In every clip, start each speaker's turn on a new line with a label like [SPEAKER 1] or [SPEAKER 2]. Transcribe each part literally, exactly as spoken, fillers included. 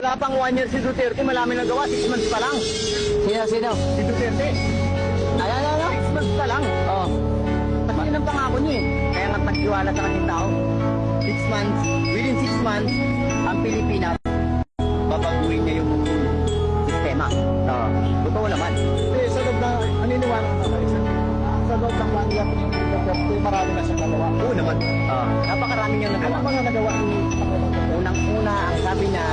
[SPEAKER 1] Wala pang one year si Duterte, malami nang gawa, six months pa lang.
[SPEAKER 2] Sino, sino?
[SPEAKER 1] Si Duterte,
[SPEAKER 2] Ay, ay, ay, ay.
[SPEAKER 1] six months pa lang.
[SPEAKER 2] Oh.
[SPEAKER 1] Pati yun ang pangako niya eh. Kaya nga pagkiwala sa kanyang tao. Six months, within six months, ang Pilipinas, babaguhin niya yung sistema.
[SPEAKER 2] Oh.
[SPEAKER 1] Totoo naman.
[SPEAKER 3] Eh, sa loob na, naniniwala ka na isa. Sa loob ng one year ni Duterte, marami na siyang nagawa.
[SPEAKER 1] Oo naman. Uh, napakarami niyang
[SPEAKER 3] Ano
[SPEAKER 1] nagawa.
[SPEAKER 3] ba nga nagawa ni Pangulong Duterte?
[SPEAKER 1] Unang-una, ang sabi niya,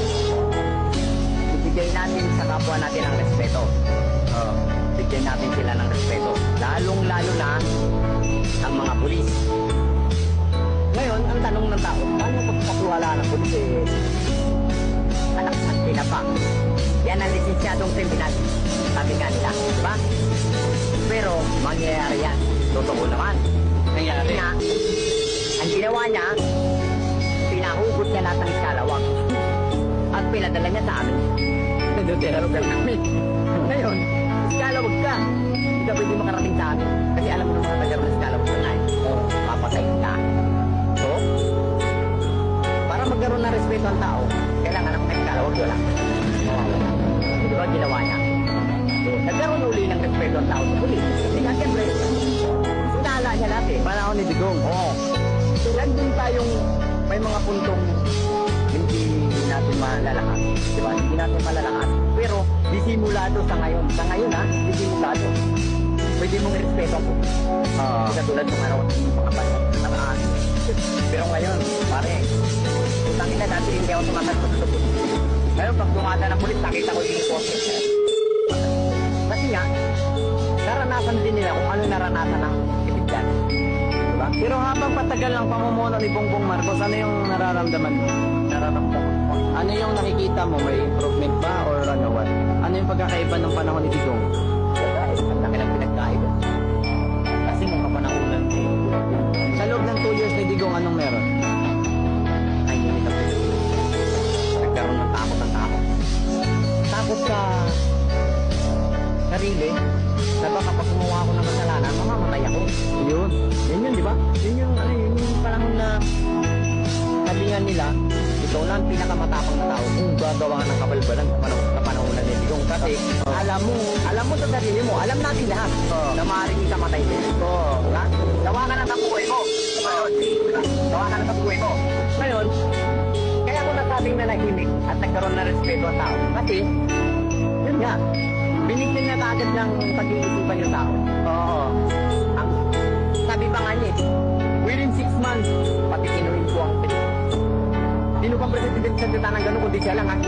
[SPEAKER 1] ibigay natin sa kapwa natin ang respeto. Uh, bigyan natin sila ng respeto. Lalong-lalo na ang mga pulis. Ngayon, ang tanong ng tao, paano pagpapawala ng pulis eh? Anak at tinapa. Yan ang lisensyadong kriminal. Sabi nga nila, di ba? Pero, mangyayari yan. Totoo naman. Nangyari. Nga, ang ginawa niya, pinahugot niya lahat ng iskalawang. At pinadala niya sa amin. Tinutulog kami. Ngayon, iskalawag ka. Hindi ka pwede makarating sa amin. Kasi alam mo naman nagkaroon ng iskalawag ka nga eh. Oh, papatay ka. So, para magkaroon ng respeto ang tao, kailangan ng iskalawag wala. Di ba ginawa niya? So, nagkaroon uli ng respeto ang tao sa pulis. Kasi nga, siyempre, sinala niya lahat eh.
[SPEAKER 2] Panahon ni Digong.
[SPEAKER 1] Oo. So, nandun tayong may mga puntong hindi natin malalakas. Di ba? Hindi natin malalakas. Pero, disimulado sa ngayon. Sa ngayon ha, disimulado. Pwede mong respeto po.
[SPEAKER 2] Oo.
[SPEAKER 1] Kasi katulad ng araw at mga banat na namaan. Pero ngayon, pare, utangin na natin hindi ako sumasagot sa pulis. Ngayon, pag dumada ng pulis, nakita ko yung poste. Kasi nga, naranasan din nila kung ano naranasan ng ibigyan. Diba?
[SPEAKER 2] Pero habang patagal ng pamumuno ni Bongbong Marcos, ano yung nararamdaman mo?
[SPEAKER 1] Nararamdaman ko.
[SPEAKER 2] Ano yung nakikita mo? May improvement ba or ano what? Ano yung pagkakaiba ng panahon ni Digong?
[SPEAKER 1] Guys, ang laki ng pinagkaiba. Kasi nung kapanahunan ko,
[SPEAKER 2] Sa loob ng two years ni Digong, anong meron?
[SPEAKER 1] ay hindi ka pwede. Nagkaroon ng takot ang tao. Takot sa sarili na baka pag gumawa ako ng kasalanan, mamamatay ako.
[SPEAKER 2] Yun.
[SPEAKER 1] Yun yun, di ba? Yun yung, ano, yun yung panahon na sabi nga nila, ikaw lang pinakamatapang na tao kung gagawa ng kabalbalan sa panahon, sa panahon na nilong. Kasi
[SPEAKER 2] Oh.
[SPEAKER 1] alam mo, alam mo sa sarili mo, alam natin lahat
[SPEAKER 2] Oh.
[SPEAKER 1] na maaaring ikamatay din.
[SPEAKER 2] Oo.
[SPEAKER 1] Diba? Gawa ka na sa buhay mo. Ngayon, diba? Gawa ka na sa buhay mo. Ngayon, kaya ako nasabing nanahimik at nagkaroon na respeto ang tao. Kasi, yun nga, binigyan na agad ng pag-iisipan yung tao.
[SPEAKER 2] Oo.
[SPEAKER 1] Ang sabi pa nga niya, eh, within six months, pati kinuhin ko ang Pilipinas. Sino pang presidente sa ng gano'n kundi siya lang, ha?